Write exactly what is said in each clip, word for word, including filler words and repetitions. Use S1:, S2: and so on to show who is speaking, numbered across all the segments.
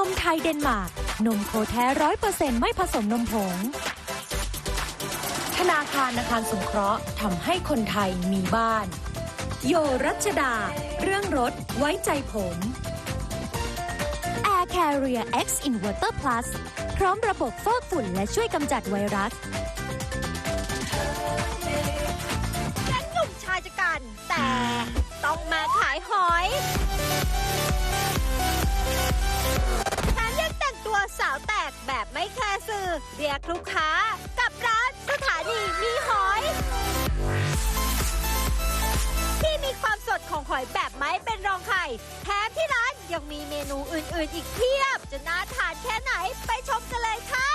S1: มไทยเดนมาร์กนมโคแท้ร้อยเปอร์เซ็นต์ไม่ผสมนมผงธนาคารอาคารสงเคราะห์ทำให้คนไทยมีบ้านโยรัชดาเรื่องรถไว้ใจผม Air Carrier X Inverter Plus พร้อมระบบฟอกฝุ่นและช่วยกำจัดไวรัส
S2: แก๊งหนุ่มชายจะกันแต่ต้องมาขายหอยแถมยังแต่งตัวสาวแตกแบบไม่แคร์สื่อเรียกลูกค้ากับร้านสถานีมีหอยที่มีความสดของหอยแบบไม่เป็นรองใครแถมที่ร้านยังมีเมนูอื่นๆอีกเพียบจะน่าทานแค่ไหนไปชมกันเลยค่ะ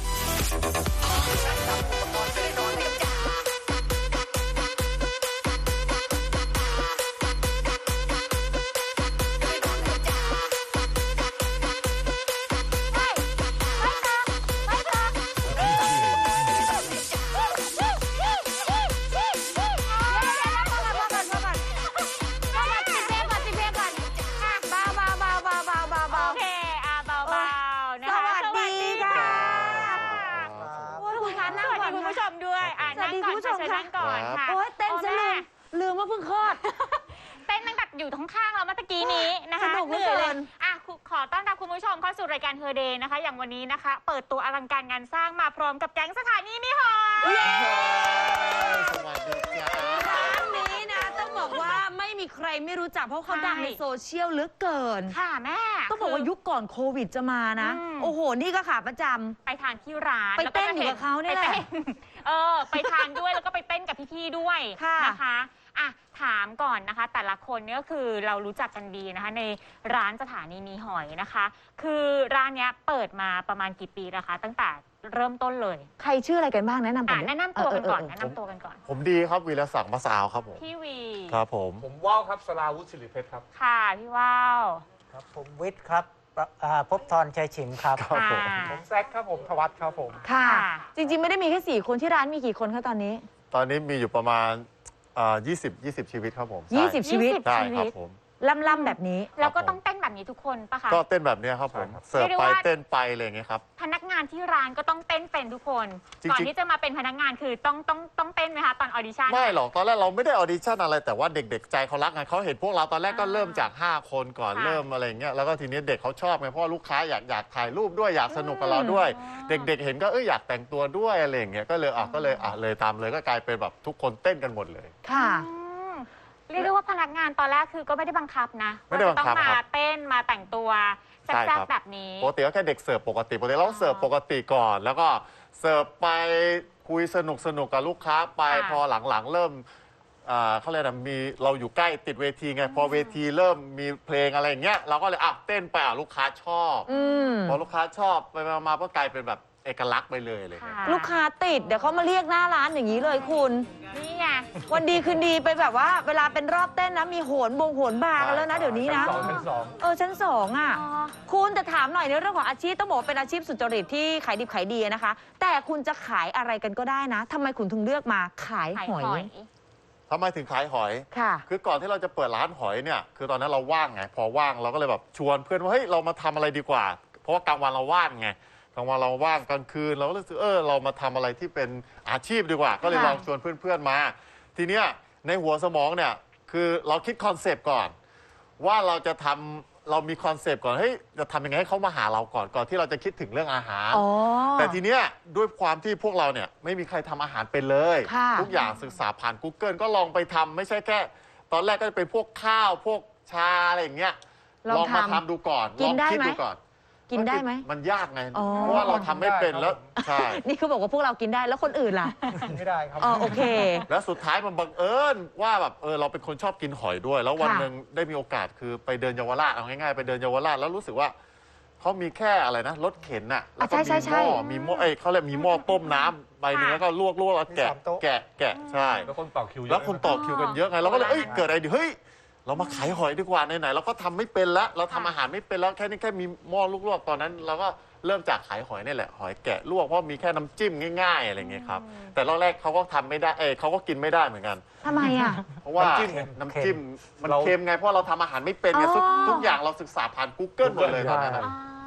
S3: โอ้ยเต้นซะลืมลืมว่าเพิ่งคลอดเต้นตั้งแต่อยู่ท้องข้างเราเมื่อกี้นี้นะคะสนุกเหลือเกินอ่ะขอต้อนรับคุณผู้ชมเข้าสู่รายการเฮอร์เดย์นะคะอย่างวันนี้นะคะเปิดตัวอลังการงานสร้างมาพร้อมกับแก๊งสถานีมีหอย
S4: สวัสดีจ้า
S5: ร้านนี้นะต้องบอกว่าไม่มีใครไม่รู้จักเพราะเขาดังในโซเชียลเหลือเกิน
S3: ค่ะแม่
S5: ต้องบอกว่ายุคก่อนโควิดจะมานะโอ้โหนี่ก็ขาประจำ
S3: ไปทานที่ร้าน
S5: ไปเต้นอยู่กับเขาเนี่ยแหละ
S3: เออไปทานด้วยแล้วก็ไปเต้นกับพี่ๆด้วยนะคะอ่ะถามก่อนนะคะแต่ละคนเนี่ยก็คือเรารู้จักกันดีนะคะในร้านสถานีมีหอยนะคะคือร้านเนี้ยเปิดมาประมาณกี่ปีแล้วคะตั้งแต่เริ่มต้นเลย
S5: ใครชื่ออะไรกันบ้างแนะนำก่อน
S3: แนะนำตัวกันก่อนแนะนำตัวกันก่อน
S4: ผมดีครับวีรศักดิ์มะสาวครับผม
S3: พี่วี
S4: ครับผม
S6: ผมว่าวครับสราวุฒิศิริเพชรครับ
S3: ค่ะพี่ว่าว
S7: ครับผมวิทย์ครับภพธรชัยฉิมครับ
S6: ผมแซคครับผมธวัฒน์ครับผม
S5: ค่ะจริงๆไม่ได้มีแค่สี่คนที่ร้านมีกี่คนคะตอนนี้
S4: ตอนนี้มีอยู่ประมาณยี่สิบ ยี่สิบชีวิตครับผม
S5: ยี่สิบชีวิต
S4: ใช่ครับผม
S5: ล่ำๆแบบนี้
S3: แล้วก็ต้องเต้นแบบนี้ทุกคนปะคะ
S4: ก็เต้นแบบนี้ครับผมเสิร์ฟไปเต้นไปอะไรอย่างเงี้ยครับ
S3: พนักงานที่ร้านก็ต้องเต้นเป็นทุกคนก่อนที่จะมาเป็นพนักงานคือต้องต้องต้องเต้นไหมคะตอนออดิชั่น
S4: ไม่หรอกตอนแรกเราไม่ได้ออดิชั่นอะไรแต่ว่าเด็กๆใจเขารักไงเขาเห็นพวกเราตอนแรกก็เริ่มจากห้าคนก่อนเริ่มอะไรเงี้ยแล้วก็ทีนี้เด็กเขาชอบไงเพราะลูกค้าอยากอยากถ่ายรูปด้วยอยากสนุกกับเราด้วยเด็กๆเห็นก็เอออยากแต่งตัวด้วยอะไรอย่างเงี้ยก็เลยอ่ะก็เลยอ่ะเลยตามเลยก็กลายเป็นแบบทุกคนเต้นกันหมดเลย
S5: ค่ะ
S3: เรียกได้ว่าพนักงานตอนแรกคือก็ไม่ได้บังคับนะ
S4: ไม่ได้บังคับ
S3: ต้องมาเต้นมาแต่งตัวแซ่บๆแบบนี้
S4: ปกติก็แค่เด็กเสิร์ฟปกติปกติเราเสิร์ฟปกติก่อนแล้วก็เสิร์ฟไปคุยสนุกสนุกกับลูกค้าไปพอหลังๆเริ่มเขาเรียกว่ามีเราอยู่ใกล้ติดเวทีไงพอเวทีเริ่มมีเพลงอะไรอย่างเงี้ยเราก็เลยอ่ะเต้นไปอ่ะลูกค้าชอบพอลูกค้าชอบไปมาก็กลายเป็นแบบเอกลักษณ์ไปเลยเลย
S5: ลูกค้าติดเดี๋ยวเขามาเรียกหน้าร้านอย่างนี้เลยคุณ
S3: นี่ไง
S5: วันดีคืนดีไปแบบว่าเวลาเป็นรอบเต้นนะมีโหนบงโหนบาร์กันแล้วนะเดี๋ยวนี้นะเออชั้นสองอ่ะคุณแต่ถามหน่อยในเรื่องของอาชีพต้องบอกเป็นอาชีพสุจริตที่ขายดิบขายดีนะคะแต่คุณจะขายอะไรกันก็ได้นะทำไมคุณถึงเลือกมาขายหอย
S4: ทำไมถึงขายหอย
S5: ค่ะ
S4: คือก่อนที่เราจะเปิดร้านหอยเนี่ยคือตอนนั้นเราว่างไงพอว่างเราก็เลยแบบชวนเพื่อนว่าเฮ้ยเรามาทำอะไรดีกว่าเพราะว่ากลางวันเราว่างไงกลางวันเราว่างกลางคืนเราก็รู้สึกเออเรามาทำอะไรที่เป็นอาชีพดีกว่าก็เลยลองชวนเพื่อนๆมาทีเนี้ยในหัวสมองเนี่ยคือเราคิดคอนเซปต์ก่อนว่าเราจะทำเรามีคอนเซปต์ก่อนเฮ้ยจะทำยังไงให้เขามาหาเราก่อนก่อนที่เราจะคิดถึงเรื่องอาหารแต่ทีเนี้ยด้วยความที่พวกเราเนี่ยไม่มีใครทำอาหารเป็นเลยทุกอย่างศึกษาผ่าน Google ก็ลองไปทำไม่ใช่แค่ตอนแรกก็จะเป็นพวกข้าวพวกชาอะไรอย่างเงี้ยลองมาทำดูก่อนลองคิดดูก่อน
S5: กินได้ไหม
S4: มันยากไงเพราะว่าเราทำไม่เป็นแล้วใช่
S5: นี่คือบอกว่าพวกเรากินได้แล้วคนอื่นล่ะ
S6: ไม่ได้ครับ
S5: อ๋อโอเค
S4: แล้วสุดท้ายมันบังเอิญว่าแบบเออเราเป็นคนชอบกินหอยด้วยแล้ววันหนึ่งได้มีโอกาสคือไปเดินเยาวราชเอาง่ายๆไปเดินเยาวราชแล้วรู้สึกว่าเขามีแค่อะไรนะรถเข็นน่ะแล้วก็มีหม้อมีหม้อเอ้เขาเรียกมีหม้อต้มน้ำใบนึงแล้วก็ลวกๆแล้วแกะแกะแกะใช่
S6: แล้วคนต่อคิว
S4: แล้วคนต่อคิวกันเยอะไงเราก็เลยเอ้ยเกิดอะไรดิเฮ้ยเรามาขายหอยดีกว่าไหนๆเราก็ทำไม่เป็นแล้วเราทำอาหารไม่เป็นแล้วแค่นี้แค่มีหม้อลวกๆตอนนั้นเราก็เริ่มจากขายหอยนี่แหละหอยแกะลวกเพราะมีแค่น้ำจิ้มง่ายๆอะไรเงี้ยครับแต่รอบแรกเขาก็ทำไม่ได้เออเขาก็กินไม่ได้เหมือนกัน
S5: ทำไมอ่ะ
S4: เพราะว่าน้ำจิ้มมันเค็มไงเพราะเราทำอาหารไม่เป็นไงทุกอย่างเราศึกษาผ่าน Google หมดเลยตอนนั้น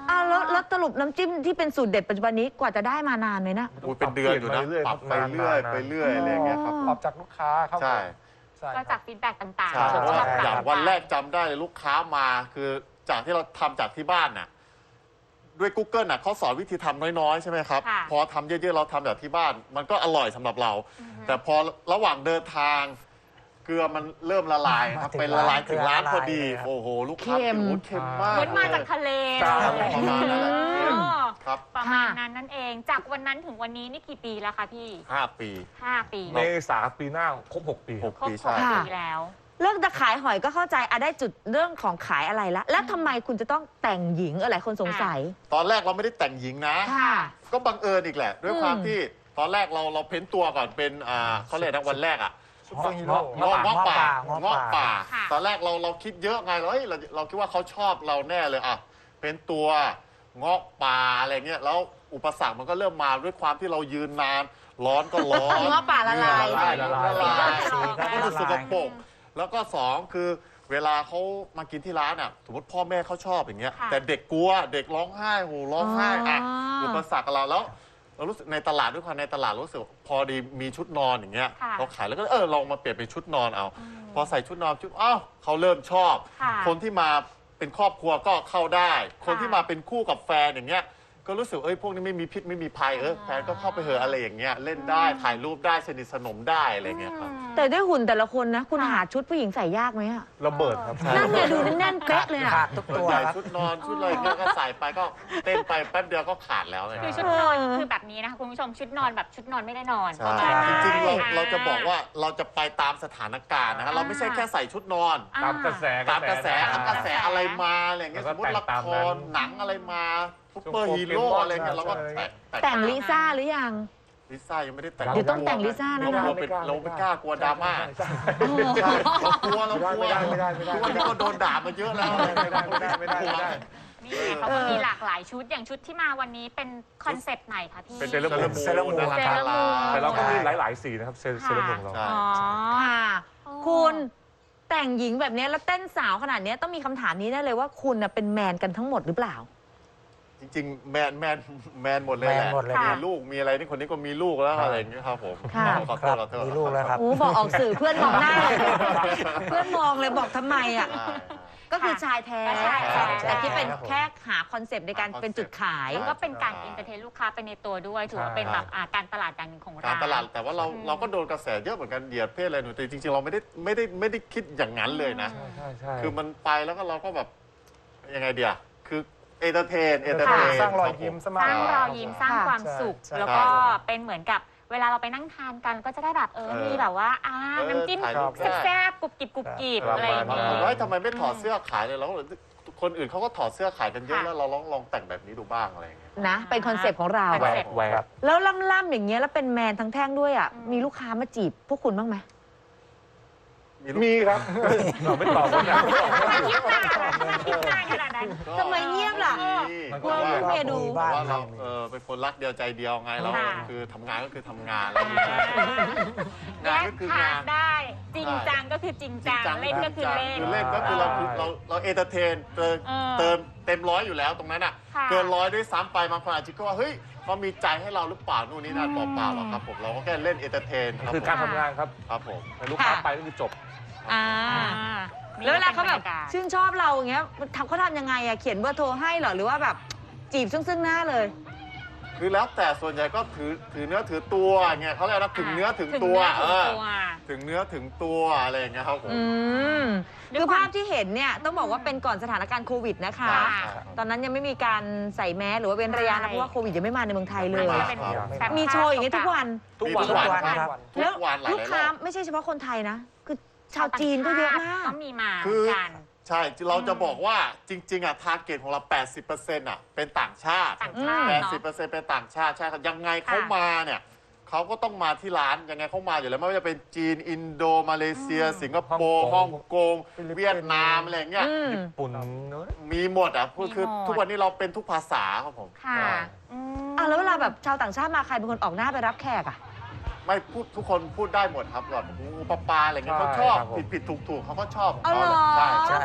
S5: อ่ะแล้วแล้วสรุปน้ำจิ้มที่เป็นสูตรเด็ดปัจจุบันนี้กว่าจะได้มานานไหมนะ
S4: โอ้ยเป็นเดือนอยู่นะปรับไปเรื่อยไปเรื่อยอะไรอย่างเงี้ยครับ
S6: ปรับจากลูกค้าครับ
S4: ใช่
S6: ใช่
S3: ก็จากฟีดแบ็กต่าง
S4: ใช่
S3: ๆ
S4: เพราะว่า
S3: ชบ
S4: อย่าง
S3: ต่ๆ
S4: วันแรกจำได้เลยลูกค้ามาคือจากที่เราทำจากที่บ้านน่ะด้วย Google น่ะเขาสอนวิธีทำน้อยๆใช่ไหมครับ
S3: ค่ะ
S4: พอทำเยอะๆเราทำจากที่บ้าน มันก็อร่อยสำหรับเรา แต่พอระหว่างเดินทาง เกลือมันเริ่มละลายครับ
S7: มาถึง
S4: เป็นละลาย
S7: ร้าน
S4: ถึงร้าน
S7: เกลือละลาย
S4: พอดี
S7: เลยครับ
S4: โอ้โหลูกค้า
S5: เค็ม
S4: โอ้โหเค็มมาก
S3: เหมือนมาจากทะเล
S6: ใช่
S3: เลย
S4: ประมาณนั้นแหละ
S3: อืม
S4: ครับ
S3: ประมาณนั้นนั่นเอง จากวันนั้นถึงวันนี้นี่กี่ปีแล้วคะพี่
S4: ห้าปี
S3: ห้าปี
S6: เมษาปีหน้าครบหกปี
S4: หก
S3: ครบ
S4: ปี
S3: ห
S4: ใช่
S3: ก
S5: ค่ะ
S3: ปีแล้ว
S5: เลิกจะขายหอยก็เข้าใจอะได้จุดเรื่องของขายอะไรละแล้วทำไมคุณจะต้องแต่งหญิงเออหลายคนสงสัย
S4: ตอนแรกเราไม่ได้แต่งหญิงนะ
S5: ค่ะ
S4: ก็บังเอิญอีกแหละ ด้วย
S5: อืม
S4: ความที่ตอนแรกเราเราเพ้นตัวก่อนเป็นอ่าเขาเรียกนะวันแรกอ่ะ
S6: ซุปเปอร์ฮีโร่
S4: เงาะเงาะป่า
S7: เงาะ
S4: เงาะ
S7: ป่า
S4: ป่า
S3: ค่ะ
S4: ตอนแรกเราเราคิดเยอะไงเราเฮ้ยเราเราคิดว่าเขาชอบเราแน่เลยอ่ะเป็นตัวเงาะป่าอะไรเงี้ยแล้วอุปสรรคมันก็เริ่มมาด้วยความที่เรายืนนาน ร้อนก็ร้อน
S5: เงาะป่าละลาย
S4: ละลายละลายละลาย
S7: สีก็
S4: ก็
S7: ละ
S4: รู้สึกส
S7: ลาก ย
S4: ปรกแล้วก็สองคือเวลาเขามากินที่ร้านอ่ะสมมติพ่อแม่เขาชอบอย่างเงี้ย
S3: ค่ะ
S4: แต่เด็กกลัวเด็กร้องไห้โหร้องไห้อ่ะ
S5: อ๋ออุ
S4: อุปสรรคกับเราแล้วเรารู้สึกในตลาดด้วยความในตลาดรู้สึกพอดีมีชุดนอนอย่างเงี้ย
S3: ค่ะ
S4: เราขายแล้วก็เออลองมาเปลี่ยนเป็นชุดนอนเอา พอใส่ชุดนอนชุดอ้าวเขาเริ่มชอบ
S3: ค่ะ
S4: คนที่มาเป็นครอบครัวก็เข้าได้ คน
S3: ค่ะ
S4: ที่มาเป็นคู่กับแฟนอย่างเงี้ยก็รู้สึกเอ้ยพวกนี้ไม่มีพิษไม่มีภัยเออแฟนก็เข้าไปเหอะอะไรอย่างเงี้ยเล่นได้ถ่ายรูปได้สนิทสนมได้อะไรเงี้ยครับ
S5: แต่ด้วยหุ่นแต่ละคนนะ คุณ
S3: ค่ะ
S5: หาชุดผู้หญิงใส่ยากไหมอะ
S6: ระเบิดครับ
S5: นั่นไงดูแน่นๆเป๊ะเลยอะ
S7: ขาดทุก
S4: ส่วน
S7: ตัว
S4: ใหญ่
S7: ครับ
S4: ชุดนอนชุดอะไรเงี้ยก็ใส่ไปก็เต้นไปแป๊บเดียวก็ขาดแล้วไง
S3: คือชุดนอนคือแบบนี้นะคะคุณผู้ชมชุดนอนแบบชุดนอนไม่ได้นอน
S4: ใช่
S3: ประมาณนั้น
S4: จริงๆเรา
S3: อ่
S4: เราจะบอกว่าเราจะไปตามสถานการณ์นะฮะเราไม่ใช่แค่ใส่ชุดนอน
S3: อ่
S6: ตามกระแส
S4: ตามกระแส
S6: อ่
S4: กระแสอะไรมาอะไรเงี้ย
S6: แล้
S4: ส
S6: ว
S4: ม
S6: ก็
S4: มติละ
S6: แต่งตาม
S4: ค
S6: นั้
S4: ร
S6: น
S4: หนังอะไรมาซุปเปอร์ฮีโร่อะไรเงี้ยเราก็แต่ง
S5: แต่งลิซ่าหรือยัง
S4: ลิซ่ายังไม่ได้แต่ง
S5: เดี๋ยวต้องแต่งลิซ่านะ
S4: เราเป็นเราไม่กล้ากลัวดราม่า
S6: ใช่
S4: ใช่เรากลัวเรากลัว
S6: ไม่ได้ไม่ได้ไม่ได้
S4: ทุกวันนี้ก็โดนด่ามาเยอะแล้ว
S6: ไม่ได้ไม่ได้ไม่ได้ไม่ได้
S3: นี่ไงเขาก็มีหลากหลายชุดอย่างชุดที่มาวันนี้เป็นคอนเซปต์ไหนคะพี่
S6: เป็นเซเลบ
S7: เซเลบมูน
S3: เซเลบมูน
S6: แต่เราก็มีหลาย ๆ สีนะครับเซเซเลบของเรา
S4: ใช่
S3: อ๋อ
S5: ค่ะ
S3: อ๋อ
S5: คุณแต่งหญิงแบบเนี้ยแล้วเต้นสาวขนาดเนี้ยต้องมีคำถามนี้ได้เลยว่าคุณน่ะเป็นแมนกันทั้งหมดหรือเปล่า
S4: จริงๆ แมนแมนแมนหมดเลยแห
S7: แม
S4: ละ
S7: นหมดเลย
S4: มี
S7: ครับ
S4: ลูกมีอะไรนี่คนนี้ก็มีลูกแล้ว
S6: ครับ
S4: อะไรอย่างเงี้ยครับผม
S5: ค่ะ
S4: ขอโท
S7: ครั
S4: ษ
S7: บ
S4: ขอโทษ
S7: มีลูกแล้วครับ
S5: โอ้บอกออกสื่อเพื่อนมองหน้าเลยเพื่อนมองเลยบอกทำไมอ่ะ
S4: ใช่
S5: ก็คือชายแท้
S3: ใช่ใช่
S5: แต่ที่เป็น
S7: ครับผม
S5: แค่หาคอนเซปต์ในการเป็นจุดขาย
S3: ก็เป็นการอินเตอร์เทนลูกค้าไปในตัวด้วยถือว่าเป็นแบบอ่าการตลาดอย่างหนึ่งของ
S4: กา
S3: ร้าร น
S4: ตลาดแต่ว่าเรา
S3: อืม
S4: เราก็โดนกระแสเยอะเหมือนกันเหยียดเพศอะไรหนูแต่จริงๆ เราไม่ได้ไม่ได้ไม่ได้คิดอย่างนั้นเลยนะ
S6: ใช่ใช่ใช่
S4: คือมันไปแล้วก็เราก็แบบยังไงเดียคือเอนเตอร์เทนเอนเตอร์เทน
S6: สร้างรอยยิ้มส
S3: ส
S6: มาก
S3: ร้างรอยยิ้มสร้าง
S5: ค่ะ
S3: ความสุข
S6: ใช่
S3: แล้วก็
S4: ใช่
S3: เป็นเหมือนกับเวลาเราไปนั่งทานกันก็จะได้แบบเออ
S4: เออ
S3: มีแบบว่าอ่า
S4: เออ
S3: น้ำจิ้ม
S4: ถ่ายรูปได้
S3: แซ่บๆกรุบกริบกรุบกริบ
S6: ครับ
S3: อะไรอย่าง
S4: บาง
S3: เงี้
S4: คน
S3: ย
S4: ว่าเฮ้ยทำไมไม่ถอดเสื้อขายเลยแล้วคนอื่นเขาก็ถอดเสื้อขายกันเยอะ
S3: ค่ะ
S4: แล้วเราลองลองแต่งแบบนี้ดูบ้างอะไรอย่างเงี้ย
S5: นะ เป็นคอนเซปต์ของเรา
S3: คอนเซ็ปต์
S6: แหวก
S5: แล้วล่ำๆอย่างเงี้ยแล้วเป็นแมนทั้งแท่งด้วยอ่ะ
S3: อืม
S5: มีลูกค้ามาจีบพวกคุณบ้างไหม
S4: มีลูก
S6: มีครับเราไม่ตอบกันนะ
S3: ทำไมคิดนานคิดนานขนาดนั้น
S4: ก็
S5: ทำไมเงียบล่ะ
S4: มี
S6: มัน
S4: เพ
S6: ก็
S4: ราะว่า
S5: เมียดู
S4: เพราะว่าเราเออเป็นคนรักเดียวใจเดียวไงแล้ว
S3: ค่ะ
S4: คือทำงานก็คือทำงานอะไรอย่างเงี้ย
S3: แย
S4: งาน
S3: ก
S4: ก็คือ
S3: ทาง
S4: าน
S3: ได้ จริงจังก็คือจริงจังเล่นก็คือเล่น
S4: คือเล่นก็คือเราเราเราเอนเตอร์เทนเติม
S3: เออ
S4: เติมเต็มร้อยอยู่แล้วตรงนั้นอ่ะ
S3: ค่ะ
S4: เกินร้อยด้วยซ้ำไปบางคนอาจจะคิดว่าเฮ้ยเขามีใจให้เราหรือเปล่านู่นนี่นั่น
S3: อืม
S4: เปล่าๆหรอกครับผมเราก็แค่เล่นเอนเตอร์เทนครับ
S6: คือการทำงานครับ
S4: ครับผม
S6: แต่ลูกค้าไปก็คือจบ
S5: อ่า
S3: อ่า
S5: แล้วเวลาเขาแบบ
S3: นี่ก็ป็นรรยกศ
S5: ชื่นชอบเราอย่างเงี้ยทำเขาทำยังไงอะเขียนเบอร์โทรให้เหรอหรือว่าแบบจีบซึ่งซึ่งหน้าเลย
S4: คือแล้วแต่ส่วนใหญ่ก็ถือถือเนื้อถือตัวเงี้ยเขาเรียกว่าถึงเนื้อถึง
S3: ถึง
S4: ตัว
S3: เนื้อถึง
S4: เออ
S3: ตัว
S4: ถึงเนื้อถึงตัวอะไรอย่างเงี้ยครับผม
S5: อืม
S3: ด้วย
S5: คือ
S3: ความ
S5: ภาพที่เห็นเนี่ยต้องบอกว่าเป็นก่อนสถานการณ์โควิดนะคะ
S3: ค่ะ
S5: ตอนนั้นยังไม่มีการใส่แมสหรือว่าเว้นระยะ
S3: ใช่
S5: นะเพราะว่าโควิดยังไม่มาในเมืองไทยเลย
S3: อันนี้เป็น
S7: ครับ
S3: แบบ
S5: มีโชว์อย่างนี้ทุกวัน
S6: ทุกวัน
S4: ทุกวัน
S7: ครับ
S4: ทุ
S5: แล้ว
S4: กวันหลาย
S5: ลูก
S4: ๆร
S5: ค้า
S4: อบ
S5: ไม่ใช่เฉพาะคนไทยนะ คือชาวจีนก็เยอะมาก
S3: ก็มีมา
S4: คือ
S3: กัน
S4: ใช่ เราจะบอกว่าจริง ๆ อ่ะ ทาร์เก็ตของเรา แปดสิบเปอร์เซ็นต์ อ่ะ เป็นต่างชาติ
S3: ต่างชาติ
S4: แปด
S3: เนาะ
S4: สิบเปอร์เซ็นต์ เป็นต่างชาติ ใช่ครับ ยังไงเขา
S3: ค่ะ
S4: มาเนี่ยเขาก็ต้องมาที่ร้าน ยังไงเขามาอยู่แล้ว ไม่ว่าจะเป็นจีน อินโด มาเลเซีย สิงคโปร์ ฮ่องกง เวียดนาม อะไรอย่างเงี้ย
S5: อืม
S6: ปุ่นเนอะ
S4: มีหมดอ่ะคือคือ
S3: มีหมด
S4: ทุกวันนี้เราเป็นทุกภาษาครับผม
S3: ค่ะ
S4: ใช่
S3: อืม
S5: อ่ะแล้วเวลาแบบชาวต่างชาติมาใครเป็นคนออกหน้าไปรับแขกอ่ะ
S4: ไม่พูดทุกคนพูดได้หมดครับแบบงูปลาปลาอะไรเงี้ยเขาชอบ ผิดผิดถูกถูกเขาก็ชอบ
S5: เอาเหรอ
S4: ใช่
S7: ใช่
S4: พ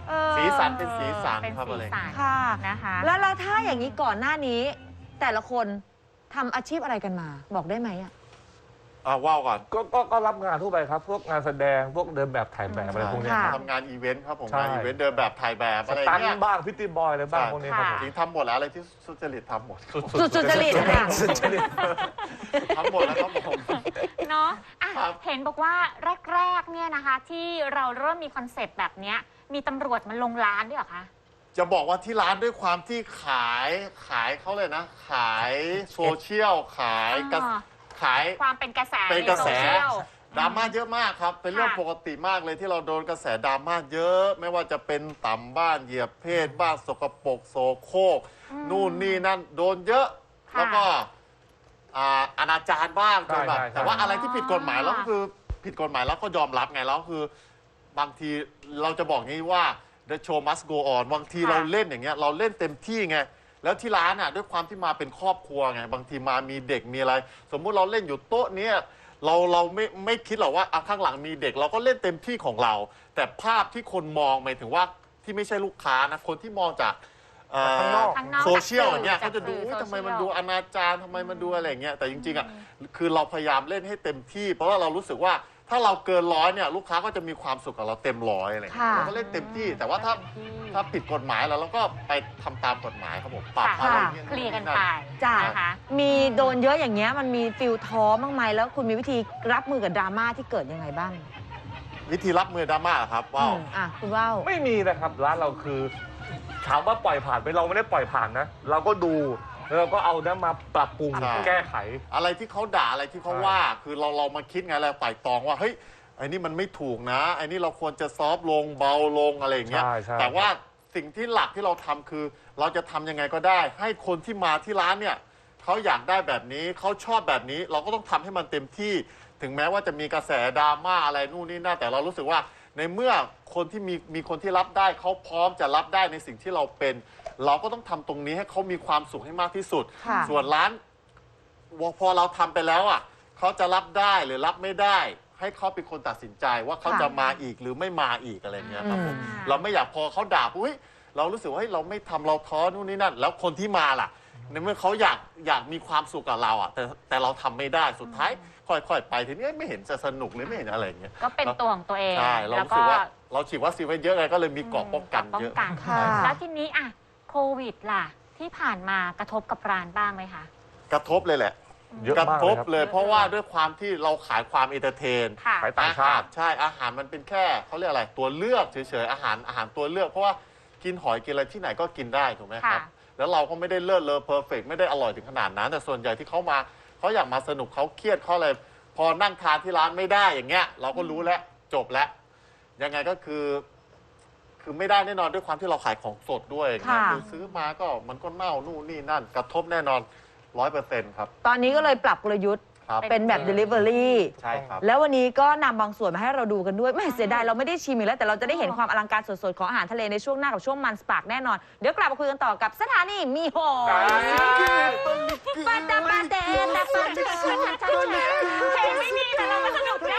S5: เออ
S4: สีสันเป็นสีสัน
S3: เป็น
S4: ครับ
S3: สี
S4: อะไร
S3: สัน
S5: ค่ะ
S3: นะคะ
S5: แล้วแล้วถ้าอย่างนี้ก่อนหน้านี้ แต่ละคนทำอาชีพอะไรกันมา บอกได้ไหมอ่ะ
S4: อ่าว่าวก่อน
S6: ก็ก็ก็รับงานทั่วไปครับ พวกงานแสดงพวกเดินแบบถ่ายแบบอะไรพวกเนี้ย
S5: ค่ะ
S6: ครับ
S4: ทำงานอีเวนต์ครับผม
S6: ใช่
S4: งานอีเวนต์เดินแบบถ่ายแบบ
S6: ส
S4: อะไร
S6: ตัน
S4: เงี้ย
S6: บ้างพิตตี้บอยอะไรบ้าง
S4: ใช่
S6: พวกนี้ครับผม
S4: จริงทำหมดแล้วอะไรที่สุจริตทำหมด
S5: สุดสุจริตค่ะ
S4: ทำหมดแล้วครับผม
S3: เนาะอ่ะ
S4: ครับ
S3: เห็นบอกว่าแรกๆเนี่ยนะคะ ที่เราเริ่มมีคอนเซปต์แบบเนี้ยมีตำรวจมาลงร้านด้วยเหรอคะ
S4: จะบอกว่าที่ร้านด้วยความที่ขายขายเขาเลยนะ ขายโซเชียลขายกระ
S3: อ่า
S4: ขาย
S3: ความเป็นกระแส
S4: เป็นกระแส
S3: ในโซเชียล
S4: ดราม่าเยอะมากครับ เป็นเรื่อง
S3: ค่ะ
S4: ปกติมากเลยที่เราโดนกระแสดราม่าเยอะ ไม่ว่าจะเป็นต่ำบ้านเหยียบเพศบ้านสกปรกโสโครกนู่นนี่นั่นโดนเยอะ
S3: ค่ะ
S4: แล้วก็อ่าอนาจารบ้าง
S6: ใช่
S4: จนแบบ
S6: ใช่ใช่
S4: แต่ว่าอะไรที่ผิดกฎหมายแล้วก็คือผิดกฎหมายแล้วก็ยอมรับไงแล้วคือบางทีเราจะบอกงี้ว่า the show must go on บางที
S3: ค่ะ
S4: เราเล่นอย่างเงี้ยเราเล่นเต็มที่ไงแล้วที่ร้านอ่ะด้วยความที่มาเป็นครอบครัวไงบางทีมามีเด็กมีอะไร สมมุติเราเล่นอยู่โต๊ะเนี้ยเราเราไม่ไม่คิดหรอกว่าอ่ะข้างหลังมีเด็ก เราก็เล่นเต็มที่ของเรา แต่ภาพที่คนมองหมายถึงว่าที่ไม่ใช่ลูกค้านะคนที่มองจากเอ่อ
S6: ข้างนอก
S3: ข้างนอก
S4: โซเชียลอย่างเงี้ย
S3: จาก
S4: เขาจะดู
S3: สื่อ
S4: อุ๊ยทำไม
S3: โซเชียล
S4: มันดูอนาจารทำไมมันดูอะไรอย่างเงี้ยแต่จริงๆอ่ะคือเราพยายามเล่นให้เต็มที่ เพราะว่าเรารู้สึกว่าถ้าเราเกินร้อยเนี่ยลูกค้าก็จะมีความสุขกับเราเต็มร้อยอะไรอย่างเงี้ย
S5: ค่ะ
S4: เราก็เล่นเต็มที่ แต่ว่าถ้า
S3: เต็มที่
S4: ถ้าผิดกฎหมายแล้วเราก็ไปทำตามกฎหมายครับผมปรับ
S3: ค่ะ
S4: อะไร
S5: ค่ะ
S4: เงี้ย
S3: เคลียร์กันไป
S5: จ้ะ
S3: นะคะ
S5: มีโดนเยอะอย่างเงี้ยมันมีฟิลท้อบ้างไหมแล้วคุณมีวิธีรับมือกับดราม่าที่เกิดยังไงบ้าง
S4: วิธีรับมือดราม่าเหรอครับว้าว
S5: อืมอ่ะคุณว่าว
S6: ไม่มีนะครับร้านเราคือถามว่าปล่อยผ่านไปเราไม่ได้ปล่อยผ่านนะ เราก็ดูแล้วเราก็เอานั้นมาปรับปรุง
S4: ใช่
S6: แก้ไข
S4: อะไรที่เขาด่าอะไรที่เขาว่า คือเราเรามาคิดไงเราไต่ตองว่าเฮ้ยไอ้นี่มันไม่ถูกนะไอ้นี่เราควรจะซอฟต์ลงเบาลงอะไรอย่างเงี้ย
S6: ใช่ใช่
S4: แต่ว่าสิ่งที่หลักที่เราทำคือ เราจะทำยังไงก็ได้ ให้คนที่มาที่ร้านเนี่ยเขาอยากได้แบบนี้เขาชอบแบบนี้ เราก็ต้องทำให้มันเต็มที่ ถึงแม้ว่าจะมีกระแสดราม่าอะไรนู่นนี่นั่นแต่เรารู้สึกว่าในเมื่อคนที่มีมีคนที่รับได้เขาพร้อมจะรับได้ในสิ่งที่เราเป็น เราก็ต้องทำตรงนี้ให้เขามีความสุขให้มากที่สุด
S5: ค่ะ
S4: ส่วนร้านพอเราทำไปแล้วอ่ะเขาจะรับได้หรือรับไม่ได้ ให้เขาเป็นคนตัดสินใจว่าเขา
S5: ค่ะ
S4: จะมาอีกหรือไม่มาอีกอะไรเงี้ยครับผม
S3: อืม
S4: เราไม่อยากพอเขาด่าปุ๊บเฮ้ยเรารู้สึกว่าเฮ้ยเราไม่ทำเราท้อนู่นนี่นั่น แล้วคนที่มาล่ะ ในเมื่อเขาอยากอยากมีความสุขกับเราอ่ะแต่แต่เราทำไม่ได้สุดท้าย ค่อยๆไปทีนี้ไม่เห็นจะสนุกเลยไม่เห็นอะไรอย่างเงี้ย
S3: ก็เป็นตัวของตัวเอง
S4: ใช่เรา
S3: แล้ว
S4: รู้
S3: ก็
S4: สึกว่าเราฉีดวัคซีนไว้เยอะไงก็เลยมีเกราะป้องกัน
S3: ป้อ
S4: เย
S3: ง
S4: อะ
S3: กัน
S5: ค่ะ
S3: แล้วทีนี้อ่ะโควิดล่ะ ที่ผ่านมากระทบกับร้านบ้างไหมคะ
S4: กระทบเลยแหละ
S6: เยอะ
S4: กระ
S6: มาก
S4: ท
S6: เลย
S4: บ
S6: ครับ
S4: เลย เพราะว่าด้วยความที่เราขายความเอนเตอร์เทน
S3: ค่ะ
S6: ขายต่างชาติ
S4: อหรใช่อาหารมันเป็นแค่เขาเรียกอะไรตัวเลือกเฉยๆอาหารอาหารตัวเลือก เพราะว่ากินหอยกินอะไรที่ไหนก็กินได้ถูกไหมครับ
S3: ค่ะ
S4: แล้วเราก็ไม่ได้เลิศเลอเพอร์เฟกไม่ได้อร่อยถึงขนาดนั้น แต่ส่วนใหญ่ที่เขามาเขาอยากมาสนุกเขาเครียดเขาอะไรพอนั่งทานที่ร้านไม่ได้อย่างเงี้ย เราก็รู้แล้วจบแล้วยังไงก็คือ คือไม่ได้แน่นอนด้วยความที่เราขายของสดด้วยอย่างเงี้ย
S5: ค่ะ
S4: คือซื้อมาก็มันก็เน่านู่นนี่นั่น กระทบแน่นอนร้อยเปอร์เซ็นต์ครับ
S5: ตอนนี้ก็เลยปรับกลยุทธ์
S4: ครับ
S5: เป็นแบบ Delivery
S4: ใช่ครับ
S5: แล้ววันนี้ก็นำบางส่วนมาให้เราดูกันด้วยไม่เสียดายเราไม่ได้ชิมอีกแล้วแต่เราจะได้เห็นความอลังการสดๆของอาหารทะเลในช่วงหน้ากับช่วงมันสปาร์กแน่นอน เดี๋ยวกลับมาคุยกันต่อกับสถานีมีหอยปาตาปาเตตาปาเต
S3: เพลงไม่มีแต่เรามาสนุกได้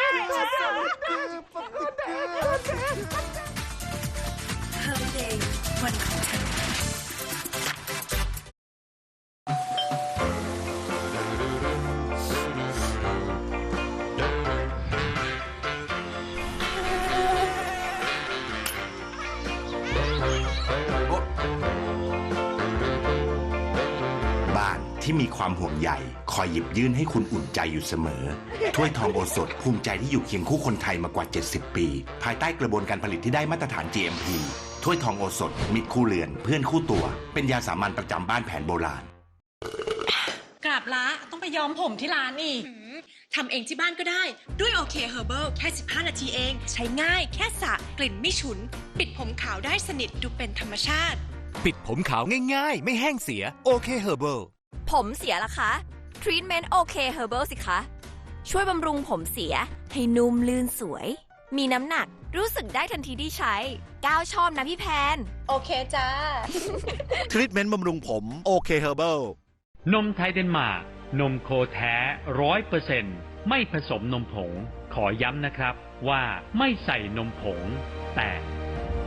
S8: บ้านที่มีความห่วงใยคอยหยิบยื่นให้คุณอุ่นใจอยู่เสมอ ถ้วยทองโอสถภูมิใจที่อยู่เคียงคู่คนไทยมากว่า เจ็ดสิบ ปี ภายใต้กระบวนการผลิตที่ได้มาตรฐาน จี เอ็ม พี ถ้วยทองโอสถมิตรคู่เรือนเพื่อนคู่ตัว เป็นยาสามัญประจำบ้านแผนโบราณ
S9: กราบละต้องไปย้อมผมที่ร้านอีก
S10: ทำเองที่บ้านก็ได้ด้วยโอเคเฮอร์เบิลแค่สิบห้านาทีเอง ใช้ง่ายแค่สระกลิ่นไม่ฉุน ปิดผมขาวได้สนิทดูเป็นธรรมชาติ
S11: ปิดผมขาวง่ายๆ ไม่แห้งเสียโอเคเฮอร์เบิล
S1: ผมเสียล่ะคะ ทรีทเมนต์โอเคเฮอร์เบิลสิคะ ช่วยบำรุงผมเสียให้นุ่มลื่นสวย มีน้ำหนักรู้สึกได้ทันทีที่ใช้ก้าวชอบนะพี่แพน
S10: โอเคจ้า
S11: ทรีทเมนต์บำรุงผมโอเคเฮอร์เบิล
S12: นมไทยเดนมาร์กนมโคแท้ร้อยเปอร์เซ็นต์ไม่ผสมนมผง ขอย้ำนะครับว่าไม่ใส่นมผง แต่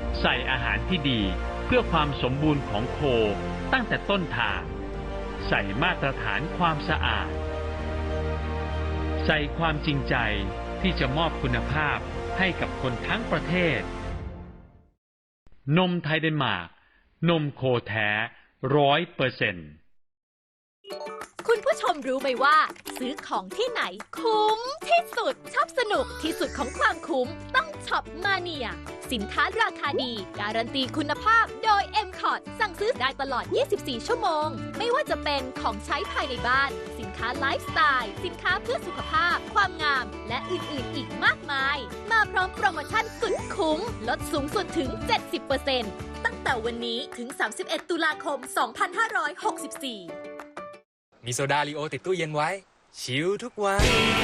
S12: ใส่อาหารที่ดีเพื่อความสมบูรณ์ของโคตั้งแต่ต้นทางใส่มาตรฐานความสะอาดใส่ความจริงใจที่จะมอบคุณภาพให้กับคนทั้งประเทศนมไทยเดนมาร์กนมโคแท้ร้อยเปอร์เซ็นต์
S1: คุณผู้ชมรู้ไหมว่า ซื้อของที่ไหนคุ้มที่สุดชอบสนุกที่สุดของความคุ้มต้องช็อปมาเนียสินค้าราคาดีการันตีคุณภาพโดย เอ็ม คอร์ สั่งซื้อได้ตลอด ยี่สิบสี่ ชั่วโมงไม่ว่าจะเป็นของใช้ภายในบ้านสินค้าไลฟ์สไตล์สินค้าเพื่อสุขภาพความงามและอื่นๆอีกมากมายมาพร้อมโปรโมชั่นสุดคุ้มลดสูงสุดถึง เจ็ดสิบเปอร์เซ็นต์ ตั้งแต่วันนี้ถึง สามสิบเอ็ด ตุลาคม สองพันห้าร้อยหกสิบสี่
S13: มีโซดาลีโอติดตู้เย็นไว้ชิลทุกวัน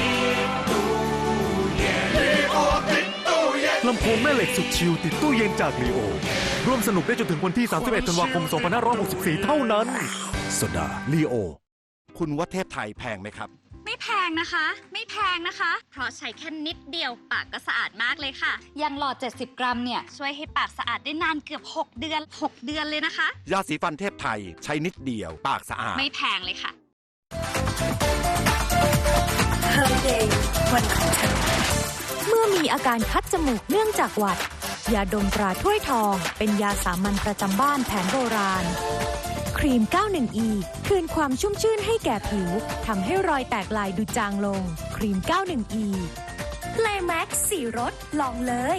S14: ลำโพงแม่เหล็กสุดชิลติดตู้เย็นจากลีโอร่วมสนุกได้จนถึงวันที่ สามสิบเอ็ด ธันวาคม สองพันห้าร้อยหกสิบสี่ เท่านั้นโซดาลีโอ
S11: คุณว่าเทพไทยแพงไหมครับ
S15: ไม่แพงนะคะ ไม่แพงนะคะ เพราะใช้แค่นิดเดียวปากก็สะอาดมากเลยค่ะอย่างหลอดเจ็ดสิบกรัมเนี่ยช่วยให้ปากสะอาดได้นานเกือบหกเดือนหกเดือนเลยนะคะ
S11: ยาสีฟันเทพไทยใช้นิดเดียวปากสะอาด
S15: ไม่แพงเลยค่ะ
S1: เมื่อมีอาการคัดจมูกเนื่องจากหวัดยาดมตราถ้วยทองเป็นยาสามัญประจำบ้านแผนโบราณครีม เก้าสิบเอ็ด อี คืนความชุ่มชื่นให้แก่ผิวทำให้รอยแตกลายดูจางลงครีม เก้าสิบเอ็ด อี Play Max สี่รสลองเลย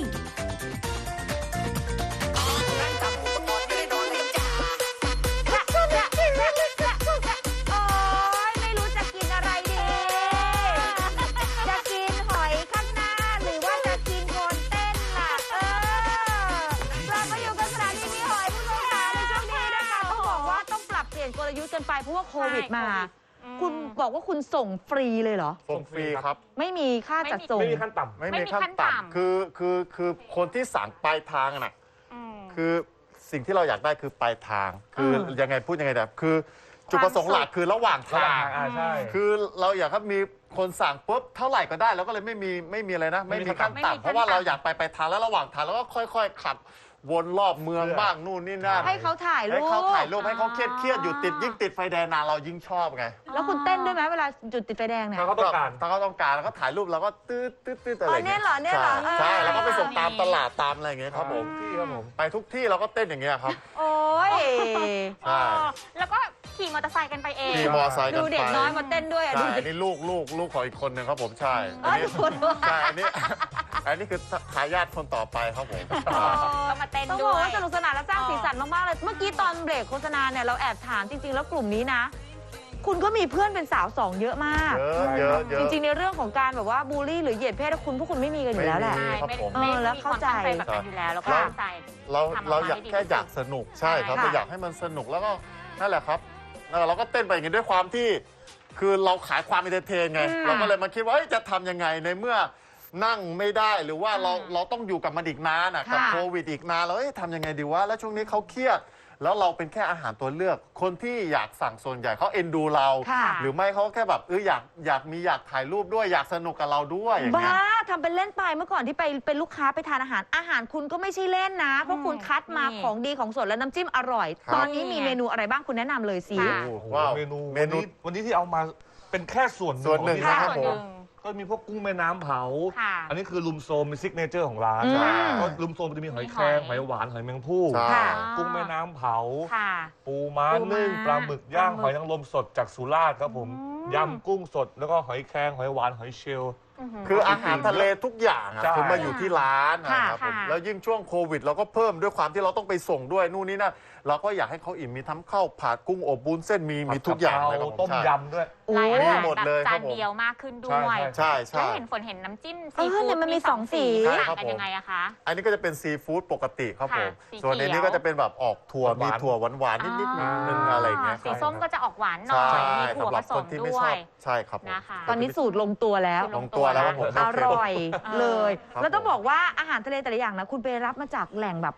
S5: กลยุทธ์กันไปเพราะว่าโควิดมาคุณบอกว่าคุณส่งฟรีเลยเหรอ
S4: ส่งฟรีครับ
S5: ไม่มีค่าจัดส่ง
S6: ไม่มีขั้นต่ำ
S4: ไม่มีขั้นต่ำคือคือคือคนที่สั่งปลายทางน่ะคือสิ่งที่เราอยากได้คือปลายทางคือยังไงพูดยังไงแบบคือจุดประสงค์หลักคือระหว่างทางคือเราอยากให้มีคนสั่งปุ๊บเท่าไหร่ก็ได้แล้วก็เลยไม่มีไม่มีอะไรนะไม่มีขั้นต่ำเพราะว่าเราอยากไปไปทางแล้วระหว่างทางแล้วก็ค่อยๆขับวนรอบเมืองบ้างนู่นนี่นั่น
S5: ให้เขาถ่ายรูป
S4: ให้เขาถ่ายรูปให้เขาเครียดเครียดอยู่ติดยิ่งติดไฟแดงนานเรายิ่งชอบไง
S5: แล้วคุณเต้นด้วยไหมเวลาจุดติดไฟแดงเนี่ย
S6: ถ้าเขาต้องการ
S4: ถ้าเขาต้องการแล้วก็ถ่ายรูปแล้วก็ตืดตืดตืดอะไร
S5: เนี่ยเหรอเนี่ยเหรอ
S4: ใช่แล้วก็ไปส่งตามตลาดตามอะไรอย่างเงี้ยครับผม
S6: ที่ครับผม
S4: ไปทุกที่เราก็เต้นอย่างเงี้ยครับ
S5: โอ้ย
S4: ใช่
S3: แล้วก็ขี่มอเตอร์ไซค์กันไปเอง
S4: ขี่มอเตอร์ไซค์กันไป
S5: ดูเด็กน้อยมาเต้นด้วย
S4: ใช่อันนี้ลูกลูกลูกของอีกคนนึงครับผมใช่อันนี้ใช่อันนี้อันนี้คือทายาทคนต่อไปครับผม
S3: ก็มาเต้นด้วย
S5: ต้องบอกว่าสนุกสนานและสร้างสีสันมากๆเลยเมื่อกี้ตอนเบรกโฆษณาเนี่ยเราแอบถามจริงๆแล้วกลุ่มนี้นะคุณก็มีเพื่อนเป็นสาวสองเยอะมาก
S4: เยอะเยอะ
S5: จริงๆในเรื่องของการแบบว่าบูลลี่หรือเหยียดเพศคุณพวกคุณไม่มีกันอยู่แล้วแหละเออแล้วเข้าใจ
S3: แบบนั้นอยู่แล้วแล้วก็เข้าใจ
S4: เราเราอยากแค่อยากสนุกใช่ครับเราอยากให้มันสนุกแล้วก็นั่นแหละครับเราก็เต้นไปอย่างนี้ด้วยความที่คือเราขายความเอนเตอร์เทนไงเราก็เลยมาคิดว่าจะทำยังไงในเมื่อนั่งไม่ได้หรือว่าเราเราต้องอยู่กับมันอีกนานกับโควิดอีกนานแล้วทำยังไงดีวะแล้วช่วงนี้เขาเครียดแล้วเราเป็นแค่อาหารตัวเลือกคนที่อยากสั่งส่วนใหญ่เขาเอ็นดูเราหรือไม่เขาแค่แบบเอออยากอยากมีอยากถ่ายรูปด้วยอยากสนุกกับเราด้วยอย่างเงี้ย
S5: บ้าทำเป็นเล่นไปเมื่อก่อนที่ไปเป็นลูกค้าไปทานอาหารอาหารคุณก็ไม่ใช่เล่นนะเพราะคุณคัดมาของดีของสดและน้ำจิ้มอร่อยตอนนี้มีเมนูอะไรบ้างคุณแนะนำเลยสิ
S6: ว้าวเมนูเมนูวันนี้ที่เอามาเป็นแค่ส่วน
S4: ส่วนหนึ่งนะครับผม
S6: ก็มีพวกกุ้งแม่น้ำเผาอันนี้คือลุมโซมเป็นซิกเนเจอร์ของร้านก็ลุมโซมจะมีหอยแครงหอยหวานหอยแมงภู่กุ้งแม่น้ำเผาปูม้านึ่งปลาหมึกย่างหอยนางรมสดจากสุราษฎร์ครับผมยำกุ้งสดแล้วก็หอยแครงหอยหวานหอยเชลล์
S4: คืออาหารทะเลทุกอย่างคือมาอยู่ที่ร้านนะครับผมแล้วยิ่งช่วงโควิดเราก็เพิ่มด้วยความที่เราต้องไปส่งด้วยนู่นนี่นั่นเราก็อยากให้เขาอิ่มมีทั้งข้าวผัดกุ้งอบวุ้นเส้นมีมีทุกอย่างเลยครับ
S6: ต้มยำด้วย
S3: มีหมดเลยจานเดียวมากขึ้นด้วย
S4: ใช่ใช่
S3: แล้วเห็นฝนเห็นน้ำจิ้มซีฟู้ด
S5: มันมีสองสี
S3: ต่างกันยังไงอะคะ
S4: อันนี้ก็จะเป็นซีฟู้ดปกติครับผมส่วนอันนี้ก็จะเป็นแบบออกถั่วมีถั่วหวานๆนิดๆนึงอะไรเงี้ย
S3: สีส้มก็จะออกหวานหน่อยมีถั่วผสมด้วย
S4: ใช่ครับ
S5: ตอนนี้สูตรลงตัวแล้ว
S4: ลงตัวแล้วผม
S5: อร่อยเลยแล้วต้องบอกว่าอาหารทะเลแต่ละอย่างนะคุณไปรับมาจากแหล่งแบบ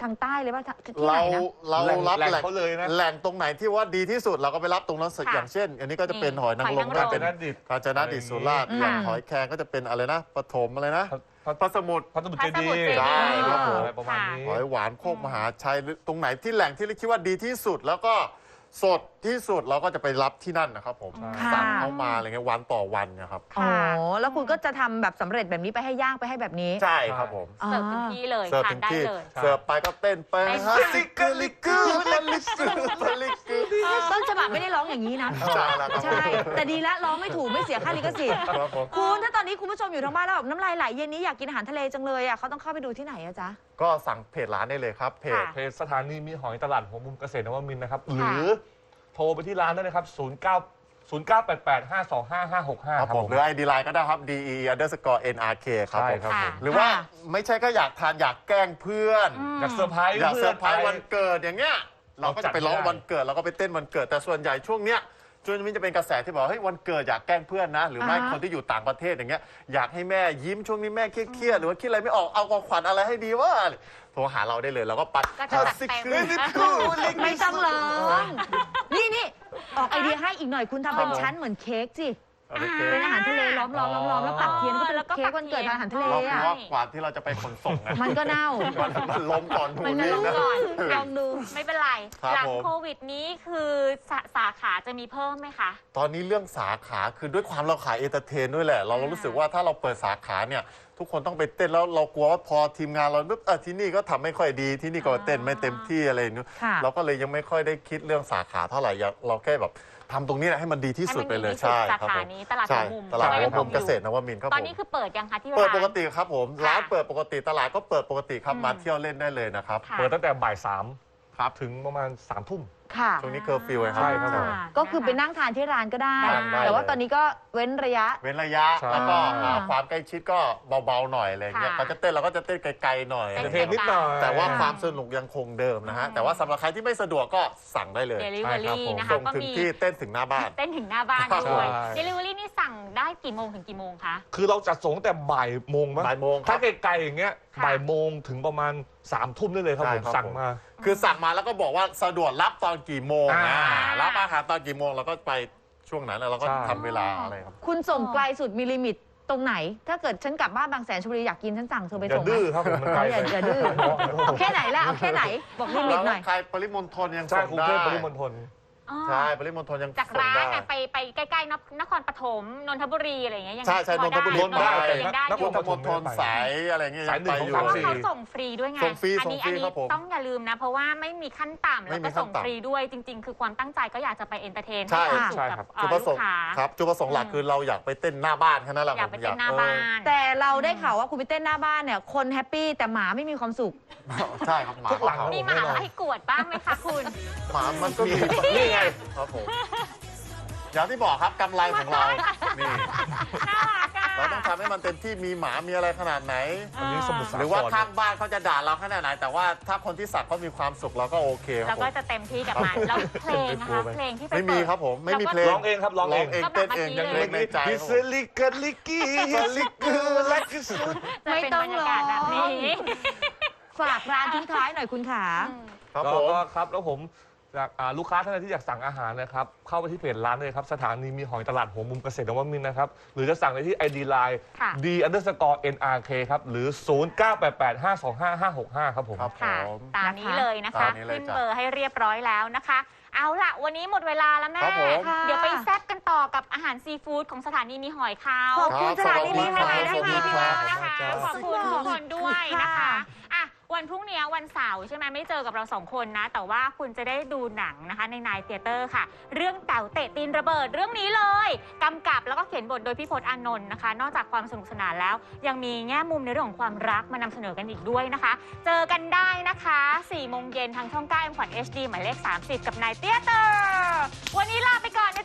S5: ทางใต้เลยป่ะที่ไห
S4: เรา
S5: นนะ
S4: เรารับ
S6: แหล่ง
S4: แหล่ง
S6: เขาเลยนะ
S4: แหล่งตรงไหนที่ว่าดีที่สุดเราก็ไปรับตรงนั้นสุด
S3: ค่ะ
S4: อย่างเช่น อันนี้ก็จะเป็น
S3: นี่
S4: หอยนางรม
S3: หอยนางรม
S4: ก็เป็น
S6: กาญจนดิต
S4: กาญจนดิตสุราษฎร์
S5: อืม
S4: อย่างหอยแครงก็จะเป็นอะไรนะปฐมอะไรนะพระสมุทร
S6: พระสมุทรเจดี
S3: พระสมุทรเจดีย์
S4: ใช่ครับผม
S6: อะไรประมาณนี้
S4: หอยหวานโคกมหาชัยหรือตรงไหนที่แหล่งที่เราคิดว่าดีที่สุด แล้วก็สดที่สุดเราก็จะไปรับที่นั่นนะครับผม
S5: ค่ะ
S4: สั่งเข้ามาอะไรเงี้ยวันต่อวันนะครับ
S5: อ๋อแล้วคุณก็จะทำแบบสำเร็จแบบนี้ไปให้ย่างไปให้แบบนี้
S4: ใช่ครับผม
S3: เสิร์ฟถึงที่เลย
S4: เสิร์ฟ
S3: ทา
S4: ถึ
S3: น
S4: ง
S3: ได้
S4: ที่
S3: เลย
S4: เสิร์ฟไปก็เต้นไป
S3: เต้น
S4: ฮะซิกลิกูลลิกูลลิกู
S5: ต้นฉบับไม่ได้ร้องอย่างนี้นะ
S4: ใช่แล้วครับ
S5: ใช่ แต่ดีแล้วร้องไม่ถูกไม่เสียค่าลิขสิทธิ์
S4: ครับผม
S5: คุณถ้าตอนนี้คุณผู้ชมอยู่ทางบ้านแล้วแบบน้ำลายไหลเย็นนี้อยากกินอาหารทะเลจังเลยอ่ะเขาต้องเข้าไปดูที่ไหนอะจ๊ะ
S4: ก็สั่งเพจร้านได้เลยครับเพจ
S6: เพจสถานีมีหอยตลาดหัวมุมเกษตรนวมินทร์นะครับ หรือโทรไปที่ร้านได้เลยครับ ศูนย์ เก้า ศูนย์ เก้า แปด แปด ห้า สอง ห้า ห้า หก ห้า
S4: ครับผมหรือ ไอ ดี Line ก็ได้ครับ ดี อี underscore เอ็น อาร์ เค ครับ
S6: ใช่
S4: ผม
S6: ครับผม
S4: หรือว่าไม่ใช่ก็อยากทานอยากแกล้งเพื่อน
S6: อยากเซอร์ไพรส์
S4: อยากเซอร์ไพรส์
S6: เพื่อน
S4: วันเกิดอย่างเงี้ยเราก็จะไปร้อง
S6: เราจัดไม่ได้
S4: วันเกิดเราก็ไปเต้นวันเกิดแต่ส่วนใหญ่ช่วงเนี้ยช่วงนี้จะเป็นกระแสที่บอกเฮ้ยวันเกิดอยากแกล้งเพื่อนนะ หรือไม่
S5: อ่าฮะ
S4: คนที่อยู่ต่างประเทศอย่างเงี้ยอยากให้แม่ยิ้มช่วงนี้แม่เครียดๆหรือว่าคิดอะไรไม่ออกเอาของขวัญอะไรให้ดีวะโทรหาเราได้เลยเราก็ปัด
S3: ก็จะจัดเต็ม
S5: ไม่ต้องร้องนี่นี่ออกไอเดียให้อีกหน่อยคุณทำเป็นชั้นเหมือนเค้กสิ
S4: โอเค
S5: เป็นอาหารทะเลล้อมล้อมล้อมล้อมแล้วปักเทียนก็เป็น
S3: แล้วก็
S5: เค้กวันเกิดอาหารทะเล
S4: เรา
S5: อ่ะ
S4: เพราะกว่าที่เราจะไปขนส่งไง
S5: มันก็เน่า
S4: มันมันล้มก่อนหนู
S5: มันก็
S4: นี่
S5: ล้ม
S4: นะ
S5: ก่อน
S3: ลองดูไม่เป็นไร
S4: ครับ
S3: หลัง
S4: ผม
S3: โควิดนี้คือสาสาขาจะมีเพิ่มไหมคะ
S4: ตอนนี้เรื่องสาขาคือด้วยความเราขายเอนเตอร์เทนด้วยแหละ เรารู้สึกว่าถ้าเราเปิดสาขาเนี่ยทุกคนต้องไปเต้นแล้วเรากลัวว่าพอทีมงานเราปุ๊บเออที่นี่ก็ทำไม่ค่อยดีที่นี่ก็เต้นไม่เต็มที่อะไรอย่างเงี้ย
S5: ค่ะ
S4: เราก็เลยยังไม่ค่อยได้คิดเรื่องสาขาเท่าไหร่อยากเราแค่แบบทำตรงนี้แหละให้มันดีที่สุดไปเลย
S3: ให้มันดีที่สุด
S4: ใช่
S3: สา
S4: ครับ
S3: ขา
S4: ผม
S3: นี้ตลาด
S4: ใช่
S3: หัวมุม
S4: ตลาดหัวมุม
S3: ใช่
S4: เกษตรนวมินทร์ครับ
S3: ตอ
S4: ผ
S3: น
S4: ม
S3: นี้คือเปิดยังคะที่
S4: เปิด
S3: ร้าน
S4: ปกติครับผม
S3: ค่ะ
S4: ร้านเปิดปกติตลาดก็เปิดปกติครับ
S3: อืม
S4: มาเที่ยวเล่นได้เลยนะครับ
S3: ค่ะ
S6: เปิดตั้งแต่บ่ายสาม
S4: ครับ
S6: ถึงประมาณสามทุ่ม
S5: ค่ะ
S4: ช่วงนี้เคอร์ฟิวไงครับ
S6: ใช่ครับผม
S5: ก็คือไปนั่งทานที่ร้านก็ได้
S4: ได้ได้
S5: แต่ว่าตอนนี้ก็เว้นระยะ
S4: เว้นระยะ
S6: ใช่
S4: แล้วก็
S5: อ่า
S4: อ่าความใกล้ชิดก็เบาๆหน่อยอะไรอย่างเงี้ย
S3: ค่ะ
S4: เขาจะเต้นเราก็จะเต้นไกลๆหน่อย
S3: เต้น
S6: เทนนิดหน่อย
S4: แต่ว่าความสนุกยังคงเดิมนะฮะ แต่ว่าสำหรับใครที่ไม่สะดวกก็สั่งได้เลย
S3: เดลิเวอ
S6: ใช่ครับ
S3: รี่
S6: ผม
S3: นะคะ
S4: ส่ง
S3: ก็
S4: ถึง
S3: มี
S4: ที่เต้นถึงหน้าบ้าน
S3: เต้นถึงหน้าบ้าน
S4: ครับ
S3: ด้วย
S6: ใช่
S3: เดลิเวอรี่นี่สั่งได้กี่โมงถึงกี่โมงคะ
S6: คือเราจัดส่งตั้งแต่บ่ายโมงมั้ง
S4: บ่ายโมงค
S6: ถ้า
S4: รับ
S6: ไกลๆอย่างเงี้ย
S3: ค่ะ
S6: บ่ายโมงถึงประมาณสามทุ่มได้เลยครับ
S4: ใช่
S6: ผม
S4: ครับ
S6: สั่ง
S4: ผม
S6: มา
S4: คือสั่งมาแล้วก็บอกว่าสะดวกรับตอนกี่โมง
S6: อ่า
S4: อ่ารับอาหารตอนกี่โมงเราก็ไปช่วงนั้นแล้วเราก็
S6: ใช่
S4: ทำเวลาอะไรครับ
S5: คุณส่งไกลสุดมีลิมิตตรงไหน ถ้าเกิดฉันกลับบ้านบางแสนชลบุรีอยากกินฉันสั่งเธอไป
S6: อย่า
S5: ส่งไหม
S6: ดื้อครับผมมันไกล
S5: เอาอย่า
S6: ไป
S5: อย่าดื้อเอาแค่ไหนละเอาแค่ไหน บอกลิมิตหน่อย
S4: ใครปริมณฑลยัง
S6: ใช่
S4: ส่ง
S6: กรุง
S4: ได้
S6: เทพปริมณฑล
S3: อ๋อ
S4: ใช่ปริมณฑลยัง
S3: จาก
S4: ส่ง
S3: ร้าน
S4: ได้
S3: น่ะไปไปใกล้ๆนนครปฐมนนทบุรีอะไรอย่างเงี้ยยัง
S4: ใช่ใช่
S3: พ
S4: น
S3: อน
S4: ทบุรี
S3: ได้
S4: ได้
S3: ยังได้
S6: น
S3: อ
S6: ค
S3: ยู่
S6: ร
S4: พุทธมณฑลสายอะไรเงี้ย
S6: สาย
S4: ง
S6: หนึ่ง
S4: ไป
S6: ของ
S4: อยู่
S6: สาม
S3: เพราะ
S6: สี่
S3: ว่าเขาส่งฟรีด้วยไง
S4: ส่งฟรี
S3: อันี้
S4: ส่งฟรี
S3: อันี้
S4: ครับผม
S3: ต้องอย่าลืมนะ เพราะว่าไม่มีขั้นต่ำ
S4: ไม่
S3: แล้ว
S4: มี
S3: ก็ส่ง
S4: ขั้นต่ำ
S3: ฟรีด้วยจริง ๆ คือความตั้งใจก็อยากจะไปเอนเตอร์เทน
S4: ใช่
S3: ให้ความสุข
S6: ใช่
S3: กับ
S6: ครับ
S3: เอ่
S4: จุด
S3: อ
S4: ประส
S3: ลู
S4: ง
S3: ก
S4: ค์
S3: ค้า
S4: ครับจุดประสงค์หลักคือเราอยากไปเต้นหน้าบ้านแค่นั้นแหละ
S3: อยาก
S4: ผม
S3: ไปเต้นหน้าบ้าน
S5: แต่เราได้ข่าวว่าคุณไปเต้นหน้าบ้านเนี่ยคนแฮปปี้แต่หมาไม่มีความสุข
S4: เออใช่ครับหมา
S6: ทุกหลัง
S4: เขา
S3: มีหมาให้กวดบ้างไหมคะคุณ
S4: หมามันก็มีนี่ไงครับผมอย่างที่บอกครับกำไรของเรานี่
S3: น่ารักอะ
S4: เราต้องทำให้มันเต็มที่มีหมามีอะไรขนาดไหน
S6: อันนี้สมุทรสาคร
S4: หรือว่าข้างบ้านเขาจะด่าเราขนาดไหน แต่ว่าถ้าคนที่สักเขามีความสุขเราก็โอเคค
S3: เรา
S4: รับผ
S3: ก็
S4: ม
S3: จะเต็มที่กับมันแล้วเพลงนะคะเพลงที่ไป
S4: ไม่มี
S3: เปิด
S4: ครับผมไม่มีเพลง
S6: ร้องเองครับร้องเอง
S4: เองเต้นเอง
S3: ก็
S4: ยัง
S3: แบบเมื่
S4: เล็
S3: อก กี้
S4: ในใจ
S6: ฮิ
S4: ครับ
S6: ส
S4: ผม
S6: ลิกลิกกี้ฮิสลิกลักกี้
S3: จะเป็นบรรยากาศแบบนี้
S5: ฝากร้านทิ้งท้ายหน่อยคุณขา
S4: ครับ
S6: แล้ว
S4: ผม
S6: ก็ครับแล้วผมอยากอ่าลูกค้าท่านใดที่อยากสั่งอาหารนะครับเข้าไปที่เพจร้านเลยครับสถานีมีหอยตลาดหัวมุมเกษตรนวมินทร์นะครับหรือจะสั่งได้ที่ ไอ ดี Line
S3: ค่ะ
S6: d underscore nrk ครับหรือ ศูนย์ เก้า แปด แปด ห้า สอง ห้า ห้า หก ห้า ครับผม
S4: ครับผ
S3: ค่ะ
S4: ม
S3: ตามนี้เลยนะคะ
S4: ตามนี้เลย
S3: ขึ้น
S4: จ้ะ
S3: เบอร์ให้เรียบร้อยแล้วนะคะ เอาล่ะ วันนี้หมดเวลาแล้วแม่
S4: ครับผม
S3: เดี๋ยวไปแซ่บกันต่อกับอาหารซีฟู้ดของสถานีมีหอยเขา
S5: ขอบคุณสถานีมีหอย
S3: ได้
S5: นะคะ
S3: ค่ะพี่ว่านะคะ
S4: ข
S3: ข
S4: อ
S3: อ
S4: บบ คุ
S3: คุณ
S4: ณ
S3: ทุกคนด้วยนะคะ
S5: ค่ะ
S3: อ่ะวันพรุ่งนี้วันเสาร์ใช่ไหมไม่เจอกับเราสองคนนะ แต่ว่าคุณจะได้ดูหนังนะคะในนายเธียเตอร์ค่ะ เรื่องแต๋วเตะตีนระเบิดเรื่องนี้เลยกำกับแล้วก็เขียนบทโดยพี่พจน์อานนท์นะคะ นอกจากความสนุกสนานแล้ว ยังมีแง่มุมในเรื่องของความรักมานำเสนอกันอีกด้วยนะคะ เจอกันได้นะคะสี่โมงเย็นทางช่องเก้า เอ็ม ขวัญ เอช ดี หมายเลขสามสิบกับนายเธียเตอร์วันนี้ลาไปก่อนนะ